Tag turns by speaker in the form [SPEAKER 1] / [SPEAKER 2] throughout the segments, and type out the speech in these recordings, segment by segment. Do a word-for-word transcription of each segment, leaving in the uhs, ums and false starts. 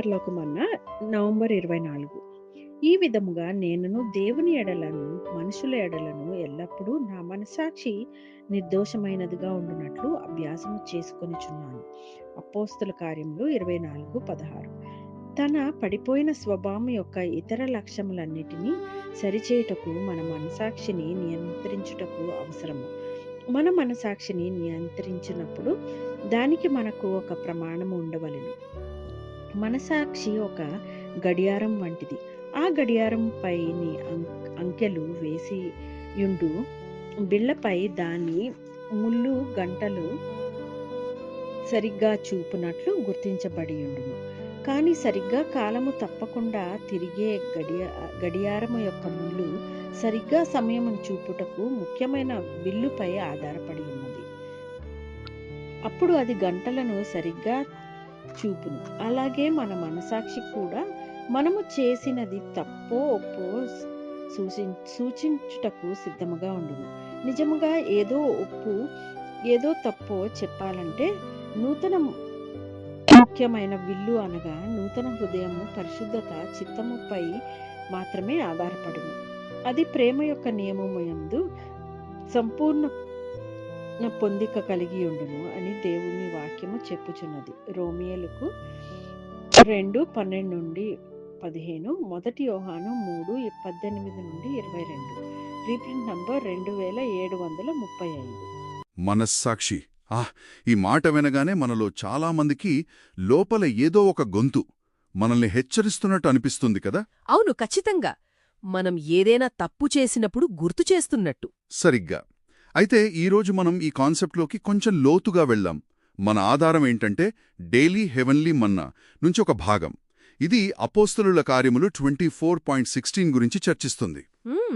[SPEAKER 1] పరలోకమన్న November ఇరవై నాలుగు. ఈ విధముగా నేనును దేవుని ఎడలను మనుషుల ఎడలను ఎల్లప్పుడూ నా మనస్సాక్షి నిర్దోషమైనదిగా ఉండునట్లు అభ్యాసము చేసుకొనిచున్నాను. అపోస్తుల కార్యములు ఇరవై నాలుగు పదహారు. తన పడిపోయిన స్వభావం యొక్క ఇతర లక్ష్యములన్నిటినీ సరిచేయుటకు మన మనసాక్షిని నియంత్రించుటకు అవసరము. మన మనసాక్షిని నియంత్రించినప్పుడు దానికి మనకు ఒక ప్రమాణము ఉండవలెను. మనసాక్షి ఒక గడియారం వంటిది. ఆ గడియారం పైని అంకెలు వేసి యుండు బిళ్ళపై దాని ముళ్ళు గంటలు సరిగ్గా చూపునట్లు గుర్తించబడి ఉండును. కానీ సరిగ్గా కాలము తప్పకుండా తిరిగే గడియ గడియారము యొక్క ముళ్ళు సరిగ్గా సమయమును చూపుటకు ముఖ్యమైన బిల్లుపై ఆధారపడి ఉన్నది. అప్పుడు అది గంటలను సరిగ్గా చూపును. అలాగే మన మనసాక్షి కూడా మనము చేసినది తప్పో ఒప్పో సూచి సూచించుటకు సిద్ధముగా ఉండును. నిజముగా ఏదో ఒప్పు ఏదో తప్పో చెప్పాలంటే నూతన ముఖ్యమైన విల్లు అనగా నూతన హృదయము పరిశుద్ధత చిత్తముపై మాత్రమే ఆధారపడును. అది ప్రేమ యొక్క నియమము యందు సంపూర్ణ పొందిక కలిగి ఉండును అని దేవుని వాక్యము చెప్పుచున్నది. రోమియోలకు రెండు పన్నెండు నుండి పదిహేను, మొదటి యోహాను మూడు పద్దెనిమిది నుండి ఇరవై రెండు, రీప్రింట్ నంబర్ రెండు వేల ఏడు వందల ముప్పై ఐదు.
[SPEAKER 2] మనస్సాక్షి. ఆహ్ ఈ మాట వినగానే మనలో చాలామందికి లోపల ఏదో ఒక గొంతు మనల్ని హెచ్చరిస్తున్నట్టు అనిపిస్తుంది కదా.
[SPEAKER 3] అవును, ఖచ్చితంగా. మనం ఏదైనా తప్పు చేసినప్పుడు గుర్తు చేస్తున్నట్టు.
[SPEAKER 2] సరిగ్గా. అయితే ఈరోజు మనం ఈ కాన్సెప్ట్లోకి కొంచెం లోతుగా వెళ్దాం. మన ఆధారం ఏంటంటే డైలీ హెవెన్లీ మన్నా నుంచి ఒక భాగం. ఇది అపోస్తలుల కార్యములు ట్వంటీ ఫోర్ పాయింట్ సిక్స్టీన్ గురించి చర్చిస్తుంది.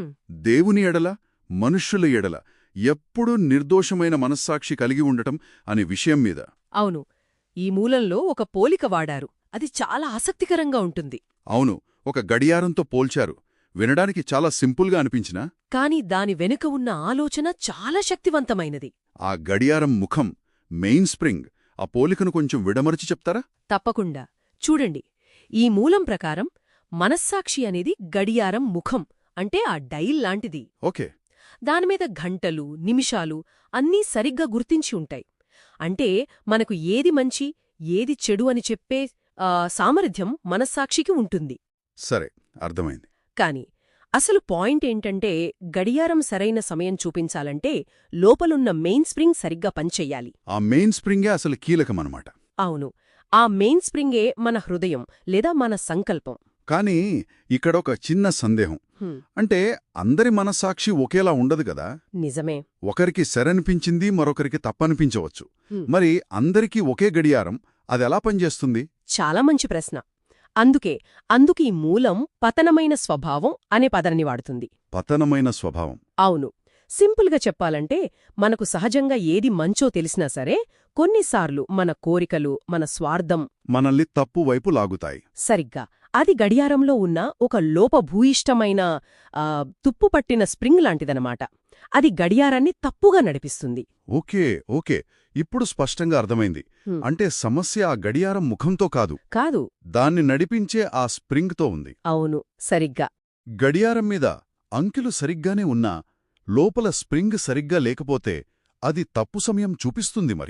[SPEAKER 2] దేవుని ఎడల మనుష్యుల ఎడల ఎప్పుడూ నిర్దోషమైన మనస్సాక్షి కలిగి ఉండటం అనే విషయం మీద.
[SPEAKER 3] అవును, ఈ మూలంలో ఒక పోలిక వాడారు. అది చాలా ఆసక్తికరంగా ఉంటుంది.
[SPEAKER 2] అవును, ఒక గడియారంతో పోల్చారు. వినడానికి చాలా సింపుల్గా అనిపించినా
[SPEAKER 3] కాని దాని వెనుక ఉన్న ఆలోచన చాలా శక్తివంతమైనది.
[SPEAKER 2] ఆ గడియారం ముఖం, మెయిన్ స్ప్రింగ్, ఆ పోలికను కొంచెం విడమరచి చెప్తారా?
[SPEAKER 3] తప్పకుండా. చూడండి, ఈ మూలం ప్రకారం మనస్సాక్షి అనేది గడియారం ముఖం, అంటే ఆ డైల్ లాంటిది.
[SPEAKER 2] ఓకే.
[SPEAKER 3] దానిమీద గంటలు, నిమిషాలు అన్నీ సరిగ్గా గుర్తించి ఉంటాయి. అంటే మనకు ఏది మంచి, ఏది చెడు అని చెప్పే సామర్థ్యం మనస్సాక్షికి ఉంటుంది.
[SPEAKER 2] సరే, అర్థమైంది.
[SPEAKER 3] కాని అసలు పాయింట్ ఏంటంటే గడియారం సరైన సమయం చూపించాలంటే లోపలున్న మెయిన్ స్ప్రింగ్ సరిగ్గా పనిచెయ్యాలి.
[SPEAKER 2] ఆ మెయిన్ స్ప్రింగే అసలు కీలకమనమాట.
[SPEAKER 3] అవును, ఆ మెయిన్ స్ప్రింగే మన హృదయం లేదా మన సంకల్పం.
[SPEAKER 2] కానీ ఇక్కడొక చిన్న సందేహం. అంటే అందరి మనస్సాక్షి ఒకేలా ఉండదు కదా.
[SPEAKER 3] నిజమే.
[SPEAKER 2] ఒకరికి సరనిపించింది, మరొకరికి తప్పనిపించవచ్చు. మరి అందరికీ ఒకే గడియారం అదెలా పనిచేస్తుంది?
[SPEAKER 3] చాలా మంచి ప్రశ్న. అందుకే అందుకీ మూలం పతనమైన స్వభావం అనే పదాన్ని వాడుతుంది.
[SPEAKER 2] పతనమైన స్వభావం.
[SPEAKER 3] అవును, సింపుల్గా చెప్పాలంటే మనకు సహజంగా ఏది మంచో తెలిసినా సరే కొన్నిసార్లు మన కోరికలు, మన స్వార్థం
[SPEAKER 2] మనల్ని తప్పు వైపు లాగుతాయి.
[SPEAKER 3] సరిగ్గా అది గడియారంలో ఉన్న ఒక లోపభూయిష్టమైన తుప్పుపట్టిన స్ప్రింగ్ లాంటిదనమాట. అది గడియారాన్ని తప్పుగా నడిపిస్తుంది.
[SPEAKER 2] ఓకే ఓకే ఇప్పుడు స్పష్టంగా అర్థమైంది. అంటే సమస్య ఆ గడియారం ముఖంతో కాదు
[SPEAKER 3] కాదు
[SPEAKER 2] దాన్ని నడిపించే ఆ స్ప్రింగ్తో ఉంది.
[SPEAKER 3] అవును, సరిగ్గా.
[SPEAKER 2] గడియారం మీద అంకెలు సరిగ్గానే ఉన్నా లోపల స్ప్రింగ్ సరిగ్గా లేకపోతే అది తప్పు సమయం చూపిస్తుంది. మరి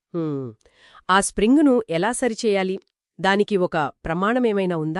[SPEAKER 3] ఆ స్ప్రింగును ఎలా సరిచేయాలి? దానికి ఒక ప్రమాణమేమైనా ఉందా?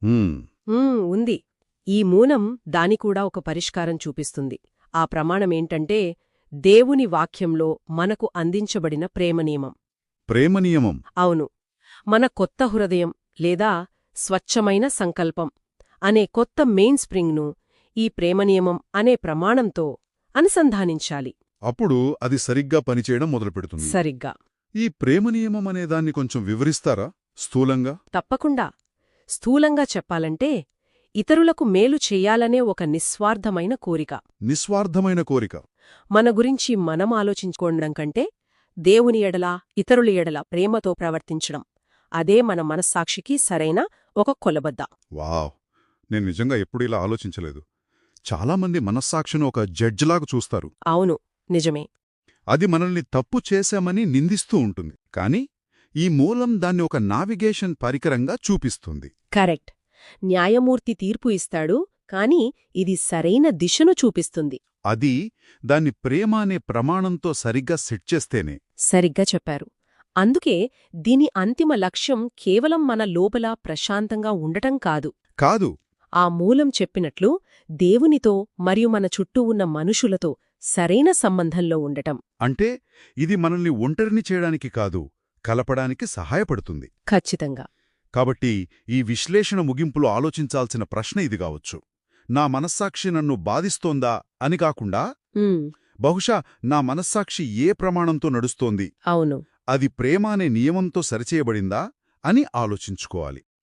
[SPEAKER 3] ఉంది. ఈ మూలం దానికూడా ఒక పరిష్కారం చూపిస్తుంది. ఆ ప్రమాణమేంటంటే దేవుని వాక్యంలో మనకు అందించబడిన ప్రేమనియమం.
[SPEAKER 2] ప్రేమనియమం.
[SPEAKER 3] అవును, మన కొత్త హృదయం లేదా స్వచ్ఛమైన సంకల్పం అనే కొత్త మెయిన్ స్ప్రింగ్ను ఈ ప్రేమనియమం అనే ప్రమాణంతో అనుసంధానించాలి.
[SPEAKER 2] అప్పుడు అది సరిగ్గా పనిచేయడం మొదలుపెడుతుంది.
[SPEAKER 3] సరిగ్గా.
[SPEAKER 2] ఈ ప్రేమనియమం అనేదాన్ని కొంచెం వివరిస్తారా స్థూలంగా?
[SPEAKER 3] తప్పకుండా. స్థూలంగా చెప్పాలంటే ఇతరులకు మేలు చెయ్యాలనే ఒక నిస్వార్థమైన కోరిక.
[SPEAKER 2] నిస్వార్థమైన కోరిక.
[SPEAKER 3] మన గురించి మనం ఆలోచించుకోవడం కంటే దేవుని ఎడల, ఇతరుల ఎడల ప్రేమతో ప్రవర్తించడం, అదే మన మనస్సాక్షికి సరైన ఒక కొలబద్ద.
[SPEAKER 2] వావ్, నేను నిజంగా ఎప్పుడు ఇలా ఆలోచించలేదు. చాలామంది మనస్సాక్షిని ఒక జడ్జిలాగా చూస్తారు.
[SPEAKER 3] అవును, నిజమే.
[SPEAKER 2] అది మనల్ని తప్పు చేశామని నిందిస్తూ ఉంటుంది. కాని ఈ మూలం దాన్ని ఒక నావిగేషన్ పరికరంగా చూపిస్తుంది.
[SPEAKER 3] కరెక్ట్. న్యాయమూర్తి తీర్పు ఇస్తాడు, కాని ఇది సరైన దిశను చూపిస్తుంది.
[SPEAKER 2] అది దాన్ని ప్రేమ అనే ప్రమాణంతో సరిగ్గా సెట్ చేస్తేనే.
[SPEAKER 3] సరిగ్గా చెప్పారు. అందుకే దీని అంతిమ లక్ష్యం కేవలం మన లోపల ప్రశాంతంగా ఉండటం కాదు.
[SPEAKER 2] కాదు.
[SPEAKER 3] ఆ మూలం చెప్పినట్లు దేవునితో మరియు మన చుట్టూ ఉన్న మనుషులతో సరైన సంబంధంలో ఉండటం.
[SPEAKER 2] అంటే ఇది మనల్ని ఒంటరిని చేయడానికి కాదు, కలపడానికి సహాయపడుతుంది.
[SPEAKER 3] ఖచ్చితంగా.
[SPEAKER 2] కాబట్టి ఈ విశ్లేషణ ముగింపులో ఆలోచించాల్సిన ప్రశ్న ఇది కావచ్చు. నా మనస్సాక్షి నన్ను బాధిస్తోందా అని కాకుండా,
[SPEAKER 3] ఉమ్,
[SPEAKER 2] బహుశా నా మనస్సాక్షి ఏ ప్రమాణంతో నడుస్తోంది,
[SPEAKER 3] అవును.
[SPEAKER 2] అది ప్రేమ అనే నియమంతో సరిచేయబడిందా అని ఆలోచించుకోవాలి.